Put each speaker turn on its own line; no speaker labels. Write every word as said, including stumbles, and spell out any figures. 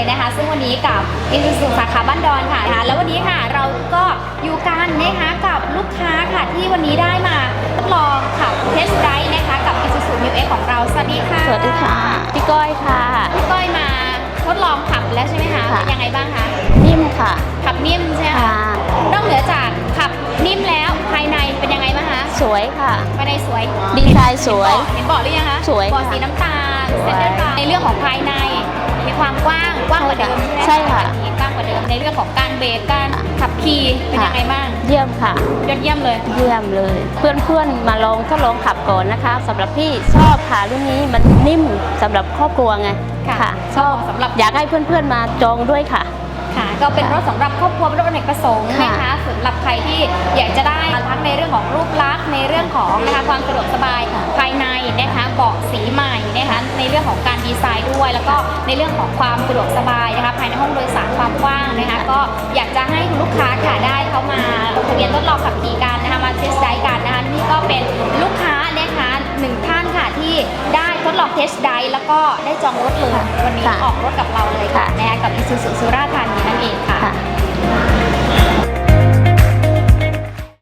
นะคะซึ่งวันนี้กับ Isuzu สาขาบ้านดอนค่ะแล้ววันนี้ค่ะเราก็อยู่กันนะคะกับลูกค้าค่ะที่วันนี้ได้มาทดลองขับเทสต์ไดรฟ์นะคะกับ Isuzu Mu X ของเราสวัสดีค่ะ
สวัสดีค่ะพี่ก้อยค่ะ
พี่ก้อยมาทดลองขับแล้วใช่ไหมคะเป็นยังไงบ้างคะ
นิ่มค่ะ
ขับนิ่มใช่ไหมคะนอกเหนือจากขับนิ่มแล้วภายในเป็นยังไงบ้างคะ
สวยค่ะ
ภายในสวย
ดีไซน์สวย
เห็นเบาะหรือยังคะ
สวย
เบาะสีน้ำตาลเซ็นเตอร์กลางในเรื่องของภายในมีความกว้างกว้างกว่าเดิม
ใช่ค่ะ
กว้างกว่าเดิมในเรื่องของการเบรกการขับขี่เป็นยังไงบ้าง
เยี่ยมค่ะ
ยอดเยี่ยมเลย
เยี่ยมเลยเพื่อนๆมาลองทดลองขับก่อนนะคะสำหรับพี่ชอบค่ะรุ่นนี้มันนิ่มสำหรับครอบครัวไง
ค่ะชอบสำหรับ
อยากให้เพื่อนๆมาจองด้วยค่ะ
ค่ะก็เป็นรถสำหรับครอบครัวเป็นรถอเนกประสงค์นะคะสำหรับใครที่อยากจะได้ทั้งในเรื่องของรูปลักษณ์ในเรื่องของนะคะความสะดวกสบายภายในนะคะเบาะสีใหม่นะคะในเรื่องของการดีไซน์ด้วยแล้วก็ในเรื่องของความสะดวกสบายนะคะภายในห้องโดยสารความกว้างนะคะก็อยากจะให้คุณลูกค้าค่ะได้เข้ามาลงทะเบียนทดลองขับขี่กันนะคะมาเทสต์ไดรฟ์กันนะคะนี่ก็เป็นลูกค้านะคะหนึ่งท่านค่ะที่ได้ทดลองเทสต์ไดรฟ์แล้วก็ได้จองรถเลยวันนี้ออกรถกับเราเลยค่ะนะคะกับ Isuzu สุราษฎร์ธานีนั่นเองค่ะ